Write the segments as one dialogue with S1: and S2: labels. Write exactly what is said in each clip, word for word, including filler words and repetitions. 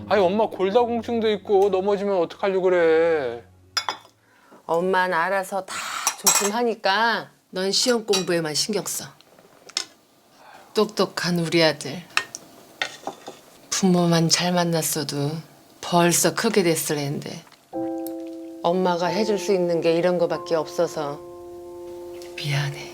S1: 아니 엄마 골다공증도 있고 넘어지면 어떡하려고 그래.
S2: 엄마는 알아서 다 조심하니까 넌 시험 공부에만 신경 써. 똑똑한 우리 아들. 부모만 잘 만났어도 벌써 크게 됐을 텐데 엄마가 해줄 수 있는 게 이런 거밖에 없어서 미안해.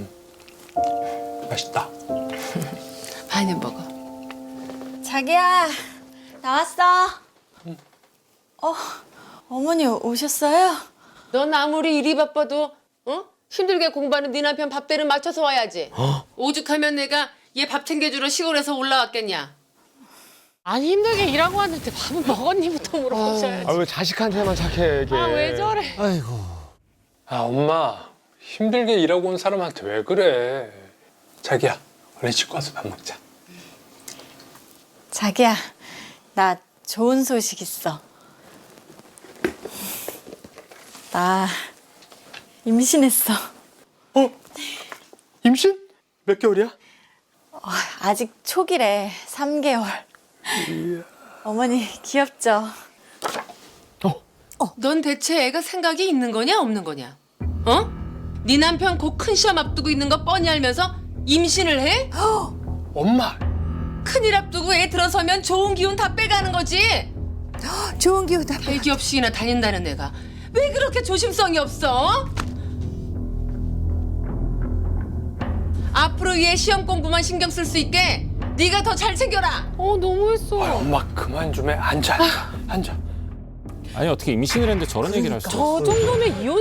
S1: 맛있다.
S2: 많이 먹어.
S3: 자기야, 나왔어. 어, 어머니 오셨어요?
S2: 넌 아무리 일이 바빠도 어? 힘들게 공부하는 네 남편 밥대는 맞춰서 와야지.
S1: 어?
S2: 오죽하면 내가 얘 밥 챙겨주러 시골에서 올라왔겠냐.
S4: 아니 힘들게 일하고 왔는데 밥은 먹었니부터 물어보셔야지.
S5: 아 왜 자식한테만 착해 이게.
S4: 아 왜 저래?
S5: 아이고.
S1: 아 엄마 힘들게 일하고 온 사람한테 왜 그래. 자기야 얼른 씻고 와서 밥 먹자.
S3: 자기야, 나 좋은 소식 있어. 나 임신했어.
S5: 어? 임신? 몇 개월이야?
S3: 어, 아직 초기래, 삼 개월. 어머니 귀엽죠?
S2: 넌 대체 애가 생각이 있는 거냐 없는 거냐? 어? 네 남편 곧 큰 시험 앞두고 있는 거 뻔히 알면서 임신을 해?
S1: 엄마
S2: 큰일 앞두고 애 들어서면 좋은 기운 다 빼가는 거지.
S6: 좋은 기운 다
S2: 대기업식이나 다닌다는 애가 왜 그렇게 조심성이 없어? 앞으로 얘 시험 공부만 신경 쓸 수 있게 네가 더 잘 챙겨라.
S4: 어 너무했어.
S1: 아, 엄마 그만 좀 해. 앉아 앉아 앉아.
S7: 아니 어떻게 임신을 했는데 저런 얘기를 할 수 있어?
S4: 저 정도면 이혼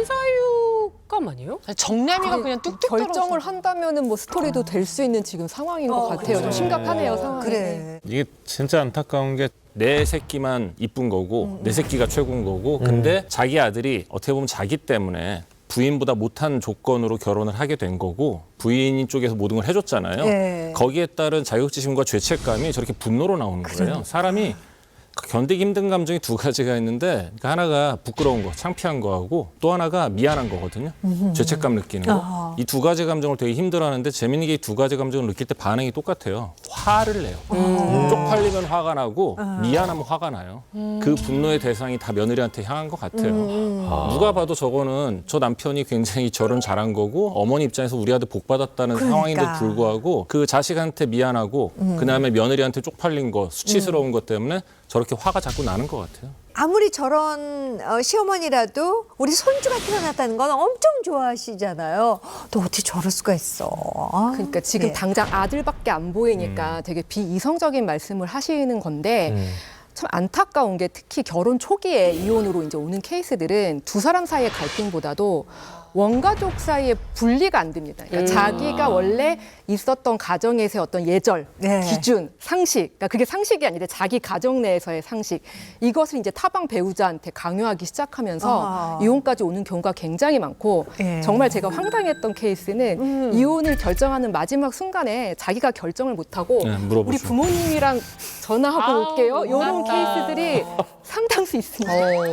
S4: 사유감 아니에요? 정남이가 그냥 뚝뚝
S8: 결정을 한다면은 뭐 스토리도 될 수 있는 지금 상황인 것 같아요. 좀 심각하네요, 상황이.
S6: 그래.
S7: 이게 진짜 안타까운 게 내 새끼만 이쁜 거고 내 새끼가 최고인 거고 근데 자기 아들이 어떻게 보면 자기 때문에 부인보다 못한 조건으로 결혼을 하게 된 거고 부인 쪽에서 모든 걸 해줬잖아요.
S6: 예.
S7: 거기에 따른 자격지심과 죄책감이 저렇게 분노로 나오는 거예요. 사람이 견디기 힘든 감정이 두 가지가 있는데 그러니까 하나가 부끄러운 거, 창피한 거하고 또 하나가 미안한 거거든요. 죄책감 느끼는 거. 이 두 가지 감정을 되게 힘들어하는데 재밌는 게 이 두 가지 감정을 느낄 때 반응이 똑같아요. 화를 내요. 쪽팔리면 화가 나고 미안하면 화가 나요. 그 분노의 대상이 다 며느리한테 향한 것 같아요. 누가 봐도 저거는 저 남편이 굉장히 결혼 잘한 거고 어머니 입장에서 우리 아들 복 받았다는
S6: 그러니까.
S7: 상황인데도 불구하고 그 자식한테 미안하고 그다음에 며느리한테 쪽팔린 거, 수치스러운 것 때문에 저렇게 화가 자꾸 나는 것 같아요.
S6: 아무리 저런 어, 시어머니라도 우리 손주가 태어났다는 건 엄청 좋아하시잖아요. 또 어떻게 저럴 수가 있어. 아,
S8: 그러니까 지금
S6: 네.
S8: 당장 아들밖에 안 보이니까 되게 비이성적인 말씀을 하시는 건데 참 안타까운 게 특히 결혼 초기에 이혼으로 이제 오는 케이스들은 두 사람 사이의 갈등보다도 원가족 사이의 분리가 안 됩니다. 그러니까 자기가 원래 있었던 가정에서의 어떤 예절,
S6: 네.
S8: 기준, 상식, 그러니까 그게 상식이 아니라 자기 가정 내에서의 상식, 이것을 이제 타방 배우자한테 강요하기 시작하면서
S6: 아.
S8: 이혼까지 오는 경우가 굉장히 많고
S6: 예.
S8: 정말 제가 황당했던 케이스는 이혼을 결정하는 마지막 순간에 자기가 결정을 못하고
S7: 네, 물어보죠.
S8: 우리 부모님이랑 전화하고
S4: 아우,
S8: 올게요. 이런
S4: 못났다.
S8: 케이스들이 상당수 있습니다.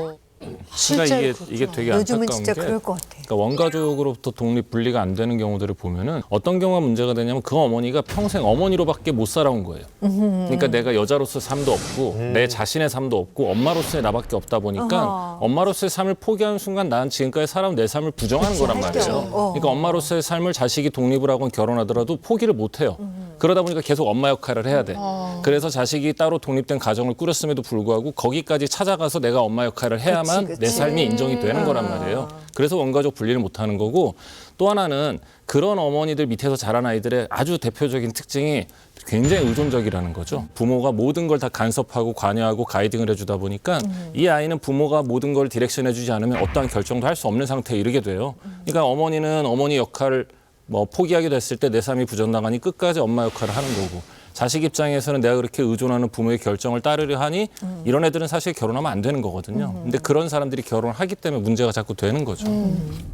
S7: 그러니까 이게 이게 되게
S6: 요즘은
S7: 안타까운
S6: 진짜
S7: 게
S6: 그럴 것 같아.
S7: 그러니까 원가족으로부터 독립 분리가 안 되는 경우들을 보면은 어떤 경우가 문제가 되냐면 그 어머니가 평생 어머니로밖에 못 살아온 거예요. 그러니까 내가 여자로서 삶도 없고 내 자신의 삶도 없고 엄마로서의 나밖에 없다 보니까
S6: 어허.
S7: 엄마로서의 삶을 포기하는 순간 난 지금까지 살아온 내 삶을 부정하는 거란
S6: 할 게
S7: 말이에요.
S6: 없어. 어.
S7: 그러니까 엄마로서의 삶을 자식이 독립을 하고 결혼하더라도 포기를 못 해요. 그러다 보니까 계속 엄마 역할을 해야 돼. 그래서 자식이 따로 독립된 가정을 꾸렸음에도 불구하고 거기까지 찾아가서 내가 엄마 역할을 해야만
S6: 그치, 그치.
S7: 내 삶이 인정이 되는 거란 말이에요. 그래서 원가족 분리를 못 하는 거고 또 하나는 그런 어머니들 밑에서 자란 아이들의 아주 대표적인 특징이 굉장히 의존적이라는 거죠. 부모가 모든 걸 다 간섭하고 관여하고 가이딩을 해주다 보니까 이 아이는 부모가 모든 걸 디렉션 해주지 않으면 어떠한 결정도 할 수 없는 상태에 이르게 돼요. 그러니까 어머니는 어머니 역할을 뭐 포기하게 됐을 때 내 삶이 부정당하니 끝까지 엄마 역할을 하는 거고 자식 입장에서는 내가 그렇게 의존하는 부모의 결정을 따르려 하니 이런 애들은 사실 결혼하면 안 되는 거거든요. 근데 그런 사람들이 결혼을 하기 때문에 문제가 자꾸 되는 거죠.